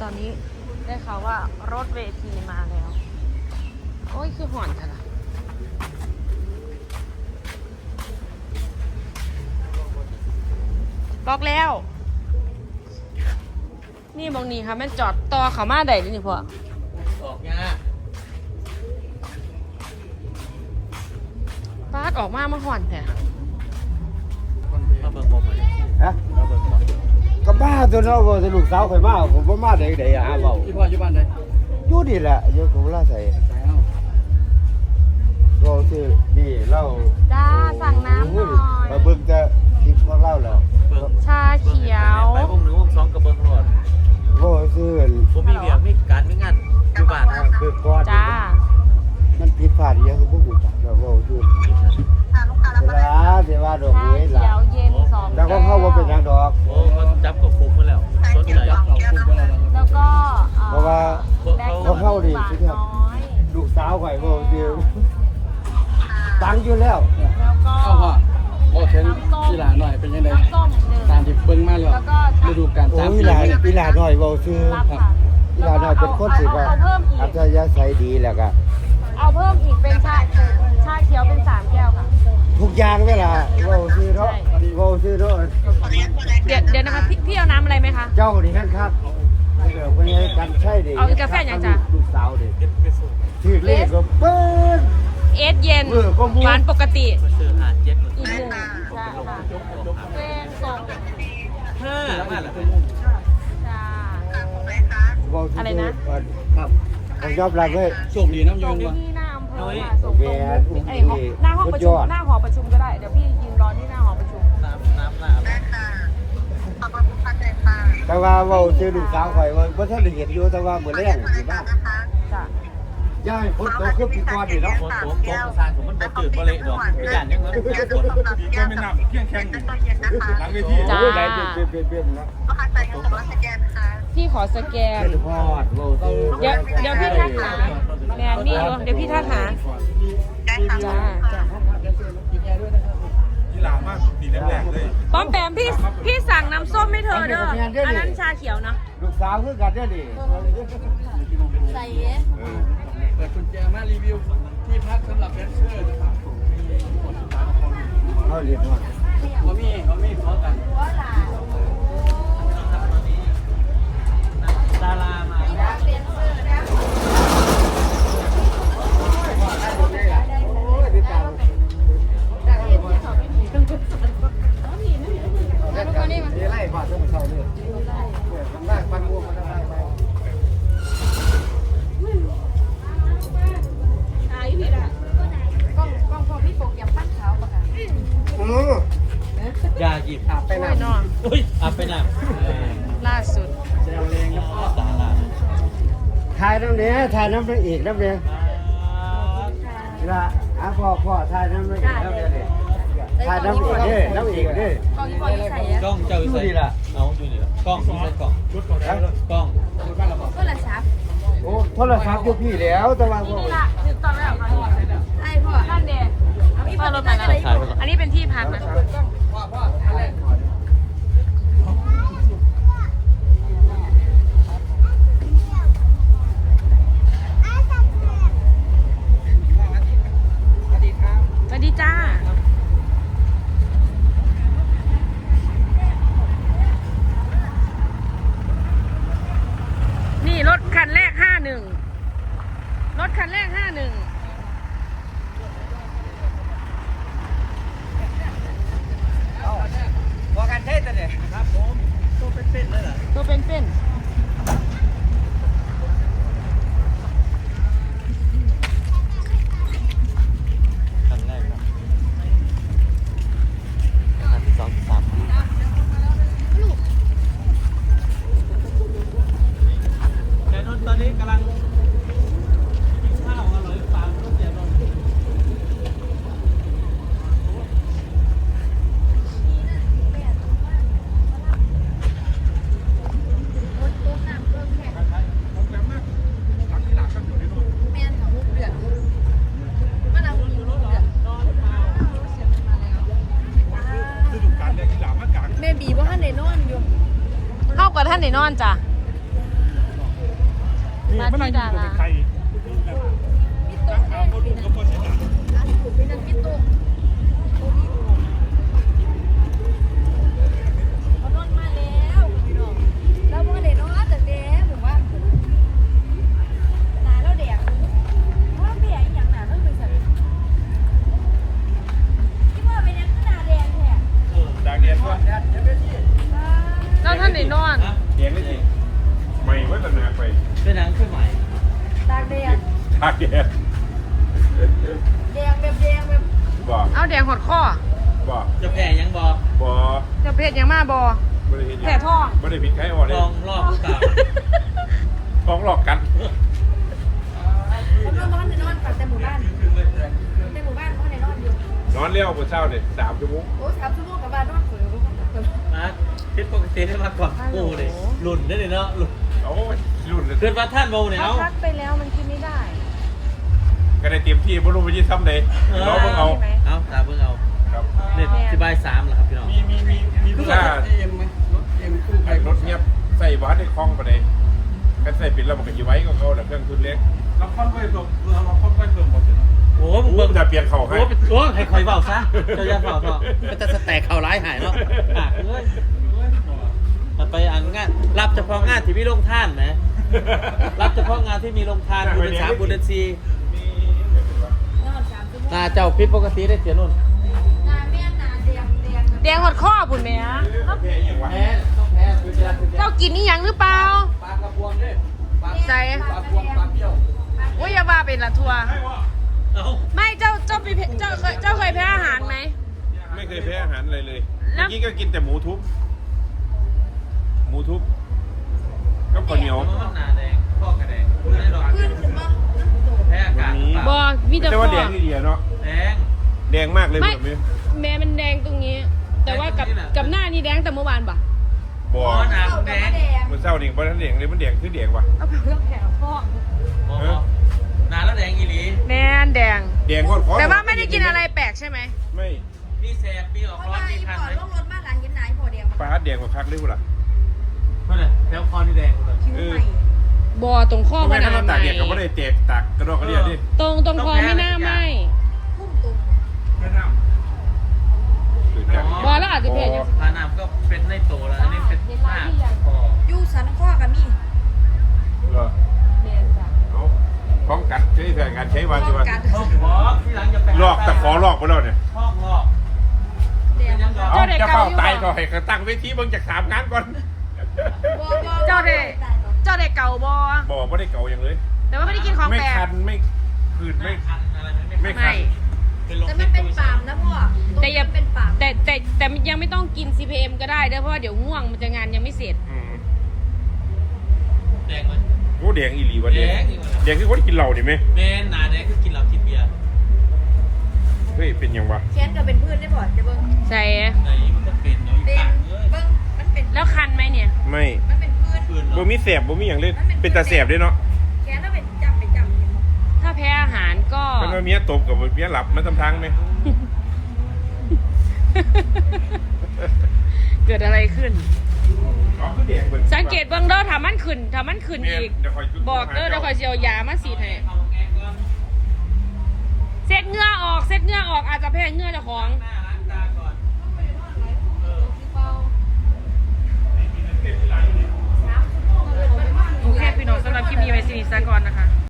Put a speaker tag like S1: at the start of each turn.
S1: ตอนนี้ได้ข่าวว่ารถเวทีมาแล้วโอ้ยคือห่อนค่ะล่ะล็อกแล้วนี่บางนี้ค่ะแม่นจอดต่อเขามาได้ด้วยนี่พ่อ
S2: ออกยาก
S1: ปาดออกมาห่อนแท้
S2: มาเบิ่งบ่มา
S3: ฮะ
S2: มาเบิ่งบ่
S3: ก็บ้าตัวเนาะบ่ลูกสาวข่อยมาผมบ่มาได้ไดอ่ะเว้า
S2: พี่พ่ออยู่บ้านใด
S3: อยู่นี่แหละอยู่กับลาใส่
S2: ใส่เอา
S3: เราซื้อนี่เรา
S1: จ้าสั่งน้ำหน่อย
S3: มาเบิ่งจะคลิปของเราแล้ว
S2: เบิ่ง
S1: ชาเขียว
S2: ไปวง1วง2กับเบิ่งรอด
S3: บ่ซื้อ
S2: ผมมีเวียกมีการมีงานอยู่บ้านครับ
S3: คือก่อน
S1: จ้า
S3: มันผิดพลาดอีหยังก็บ่ฮู้จักแล้วเว้าซื้อเวลาสิว่าดอก
S1: ชา
S3: เว้ย
S1: เขี
S3: ล่ะ
S1: ยวเย็น2
S3: แล้วก็เข้าบ่เป็นหยังดอก
S2: โอ้เขาจับกับคุกมาแล้วสนใจ
S1: แล้วก็
S3: เพราะว่า เขาเข้าดิ
S1: หวานน้อย
S3: ลูกสาวข่อยเว้าซื้อตังอยู่แล้ว
S1: แล้วก็
S4: เอาพ่อโอ้เทนกีฬาหน่อยเป็นยังไง
S1: น้ำส้มหนึ่ง
S4: ตามที่เบิ่งมาแล้ว
S1: แล้วก็
S4: ฤดูกาล
S3: โอ้
S4: 3
S3: ย
S4: ปี
S3: หลาน
S4: แล้ว
S3: อีหลาน้อยเว้าซื้อ
S1: รับค่ะ
S3: อีหลาน้อยเป็นคนที่ว่า
S1: เอาเพิ่มอี
S3: อั
S1: ก
S3: ธยาศัยดีแล้วก็
S1: เอาเพิ่มอีกเป็นชาเขียวเป็น3 แก้วค่ะ
S3: ทุกอย่างเวลาเว้าซื้อเนาะเว้าซื้อเนาะ
S1: เดี๋ยวนะคะพี่เอาน้ำอะไรไหมคะ
S3: เจ้านี่ฮั่นครับเดี๋ยวคนนี้กันใช่ดิ
S1: เอาอีกกาแฟยังจ๊ะ
S3: ลูกสาวดิชื่อเลขก็เปิ้ล
S1: เอสเย็น
S3: ก็มู
S1: หวานปกติ
S2: มาซื้อหาเจ็ด
S1: อีกหนึ่งใช่ค่ะเป็นส่ง
S2: 5มาแล้ว
S1: จ้า
S3: เว้าซื้
S1: อะไรนะ
S3: ครับผมยอมรับเลย
S4: โชคดีน้ำย
S1: ส่ง
S4: งว่ะ
S1: ที่หน้าอำเภอค่ะส่งตรงหน้าห้องประ
S3: ย
S1: ชุม
S3: อด
S1: หน้าหอประชุมก็ได้เดี๋ยวพี่ยืนรอที่หน้าหอประชุม
S2: น้ำลาบ
S3: แต่ว่าเว้าซื้อลูกสาวข่อยว่าบ่ทันได้เห็นอยู่แต่ว่ามื้อแรงสิบ้า
S1: จ้ะ
S3: ย่ายฝนตกคือปีก่อนนี่เนาะ
S2: โคตรประสานผมมันบ่จืดบ่เละดอกไม่ย่านยังเงิน
S5: ก็ไม่นับเพียงแค่หลังเวที
S1: จ้า
S3: โอ้ยได้เปลี่ยนๆนะ
S1: พี่ขอสแกน
S3: เป็นฮอดเว้าซื้อ
S1: เดี๋ยวพี่ทักหาแมนนี่อยู่เดี๋ยวพี่ทักหาจ้าจ้า
S5: กีฬามากดีแรงๆเลย
S1: ป้อมแปมพี่สั่งน้ำส้มให้เธอเด้ออันนั้นชาเขียวเนาะ
S3: ลูกสาวคือกันเด้อดิ
S1: ใส่
S4: เปิดกุญแจมารีวิวที่พักสำหรับแดนเซอร์นะครับ
S3: เขาเรียนฮอด
S4: เขามีขอกัน
S2: ดารามา
S3: นี่ไล่พอทั้งเช้านี่ทำได้ปันม่วงมันได้ไป
S2: ยาหยิบ
S4: อาบไป
S1: โอ้
S4: น้
S1: ยนอน
S2: อุ้ยอาบไปน้ำ
S1: ล่าสุด
S4: ำแจวแรงแล้วก็
S2: ดารา
S3: ถ่ายน้ำเนี้ยถ่ายน้ำพระเอกน้ำเนี้ยละพ่อถ่ายน้ำพระเอกน้ำเนี้ยดิถ่ายน้ำเอกเด้น้ำเอกเด้
S1: กองยี่ปอยี่ใส่อะ
S2: กล้องเจ้าอยู่ไหนเอาอยู่นี่ล่ะกล้องมีใส่กล้องชุดก่อนได้เลยกล้อง
S1: ก็ละซับ
S3: โอ้โทรศัพท์อยู่พี่แล้วแต่ว่า
S1: นี่ละถึงตอนแล้วค่ะไอ้พ่อนั่นเด็กพี่พ่อรถมาแล้วอันนี้เป็นที่พักนะคะ สวัสดีจ้า นี่รถคันแรก51รถคันแรก51
S2: พอกันเทศเนี่ยครับผมตัวเป็นๆเลยเหรอ
S1: ตัวเป็นๆ
S2: ครั้งแรกครับครั้งที่2ที่3แต่นนตอนนี้กำลังกินข้าวอร่อยปากรถเสียนน
S1: มาที่ดารา
S5: จากเดียนว่า
S1: แล้วท่านไหนนอน
S5: เดียนได้สิไม่ไว้ตั้งนานไป
S2: เป็นหนังขึ้นใหม่
S5: จากเดียน บอก
S1: เอาแดงหดข้อ
S5: บอก
S2: จะแผ่ยังบอก
S5: บอก
S1: จะเพชรยังมาบอ
S5: ไม่ได้เห็น
S1: แผ่ท้อง
S5: ไม่ได้ผิดใครอ่อนเล
S2: ล
S5: ย
S2: องรอบเก่า
S5: ท้องหลอกกัน นอนเลี้ยวบนเช้าเนี่ย3 ชั่วโมง
S2: มาคิดปกติได้มาก่อนกูเลยหลุ่นได้เลยเนาะหลุ่น
S5: โอ้ยรุ่นเลย
S2: เกิดว่าท่านโมเนี่ย
S1: เขา
S2: เอา
S1: พักไปแล้วมันกินไม่ได้
S5: ก็ได้เตรียมที่บรรลุไปยี่ซ้ำเลยเราเพิ่งเอา
S2: เอาตาเพิ่งเอา
S5: ครับ
S2: เน็ตที่บ่าย3แล้วครับพี่น้อง
S4: มีรถเอ็มไหมรถเอ็มตู้ไฟ
S5: รถเงียบใส่วัดในคลองไปเลยกันใส่ปิดแล้วมันก็อยู่ไว้ก็เขาแต่เครื่องทุนเล็ก
S4: เราค่อยๆเพิ่มเราค่อยๆเพิ่มหมดเลย
S2: โอ้มึง
S5: เบิ่
S2: เบิ่
S5: ง
S2: ง
S5: จะเปลี่ยนเข่าให้
S2: โอ้ให้คอยเบาซะเจ้าอย่าเบาเถอะมันจะแตกเข่าร้ายหายเนาะอ่ะเอ้ยมันไปอันงานรับเฉพาะงานที่มีลงท่านไหมรับเฉพาะงานที่มีลงทานบุญ3บุญ4นาเจ้าพิษปกติได้เสียนุ่น
S1: แดงหดข้อบุญแม่
S5: แพ้ยังวะ
S2: แพ้ต้องแพ้คือจะคือจะ
S1: เจ้ากินนี่ยังหรือเปล่า
S2: ปลากระพวงด้วยปลา
S1: ใส่
S2: ปลาพวงปลาเปรี้ยว
S1: โอ้ยอย่าว่าเป็นละทัวร์
S2: เอ้า
S1: ไม่เจ้าไปเจ้าเคยแพ้อาหารไหม
S5: ไม่เคยแพ้อาหารอะไรเลย
S1: แล้
S5: เมื่
S1: ว
S5: อกี้ก็กินแต่หมูทุบก็ข้าวเหนียว
S2: มันหนาแดงข้อกระแดงไม่ได้หรอกแพ้อากาศ
S1: บอมีแต่
S5: แต่
S1: ข้
S5: ว่า
S1: อ
S5: แดงที่เดียเนาะ
S2: แดง
S5: แดงมากเลย
S1: ไม่
S5: แบบนี้
S1: แม่มันแดงตรงนี้ แต่ว่ากับหน้านี่แดงแต่เมื่อวานปะ
S5: บ่
S2: หนาแดง
S5: มันเศร้านี่เพราะท่านแดงเลยมันแดงคือแดงวะ
S1: เอาไปเลือกแผลพ่อ
S2: หนาแล้วแดงอีหลี
S1: แน่นแดง
S5: แดงโคตร
S1: แต่ว่าไม่ได้กินอะไรแปลกใช่ไหม
S5: ไม่
S2: มีแสบมีออกร้อนมีคันไหม
S5: ปลาแดงกว่าคักเลยกูล่ะ
S2: เมื่อไหร่แถวคอนี่แดงเลย
S5: เออบ
S1: อตรงข้อ
S5: ไม่
S1: มัน
S5: ถ้าเราตากแดดก็ไม่ได้แตกตากกระดอกกระเดียดดิ
S1: ตรงคอไม่น่าไหม
S5: ตื่นจาก
S1: บอแล้วอาจจะเผ็ดอย่าง
S2: ปลาหนามก็เป็นในโตแล้วอันนี้เป็นมากพอ
S5: เหรอ
S1: แม่จ้ะ
S5: เอาป้องกันใช้แผนการใช้วาจิวัน
S2: ห้องหอที่หลังจะไป
S5: ลอกตะขอลอกไปแล้วเนี่ย
S2: ห้องหอกเป็นยังไง
S5: เอาจะเฝ้าตายก็ให้กระตั้งเวทีเบิ่งจาก3 งานก่อน
S1: เจ้าเด็กเก่าบอ
S5: บอกไม่ได้เก่าอย่างเลย
S1: แต่ว่าไม่ได้กินของ
S5: ไม่
S1: แปลก
S5: คันไม่คืน
S2: ไม่
S5: ไม่
S2: คันอะไรไม่
S5: ไม่
S2: คัน
S5: คัน
S2: เป็นลม
S6: แต่มันเป็นปาล์มนะพ่อ
S1: แต่อย่า
S6: เป็นปาล์ม
S1: แต่ยังไม่ต้องกิน CPM ก็ได้เด้อเพราะว่าเดี๋ยวง่วงมันจะงานยังไม่เสร็จ
S5: อืม
S2: แดงไหม
S5: โอ้แดงอีหลีวะเนี่ย
S2: แดงอีกวะ
S5: แดงคือคนกินเหล้าดิไหม
S2: แม่หนาแดงคือกินเหล้ากินเบียร์
S5: เฮ้ยเป็นยังวะ
S6: แค้นก็เป็นพืชได้พ่อจะเบิ้ง
S1: ใส่
S2: ไหนมันก็เป็นเนาะ
S6: เป็น
S2: ต่างเลย
S6: เบิ้งมันเป็น
S1: แล้วคันไหมเนี่ย
S5: ไม่
S6: มันเป็นพืช
S2: ปืน
S5: บ่มีแสบบ่มีอย่างเล่นเป็นตาแสบด้วยเนาะ
S6: แค้นแล้วเป็นจำเห็นบ่
S1: ถ้าแพ้อาหารก็
S5: มันว่าเมียตบกับเมียหลับมันทำทางไหม
S1: เกิดอะไรขึ้น
S5: อ๋อคือแดงเหมือน
S1: สังเกตเบื้องเด้อถ้ามันขึ้นอีก
S5: เดี๋ยวคอย
S1: บอกเด้อเดี๋ยวคอยสิเอายามาสีดให้
S2: เอาแกงก่อน
S1: เซ็ตเหงื่อออกอาจจะแพ้เหงื่อเจ้าของ
S2: หน้าล้างตาก่อน
S1: โอเคพี่น้องสำหรับคลิปนี้ไว้สินิสากรนะคะ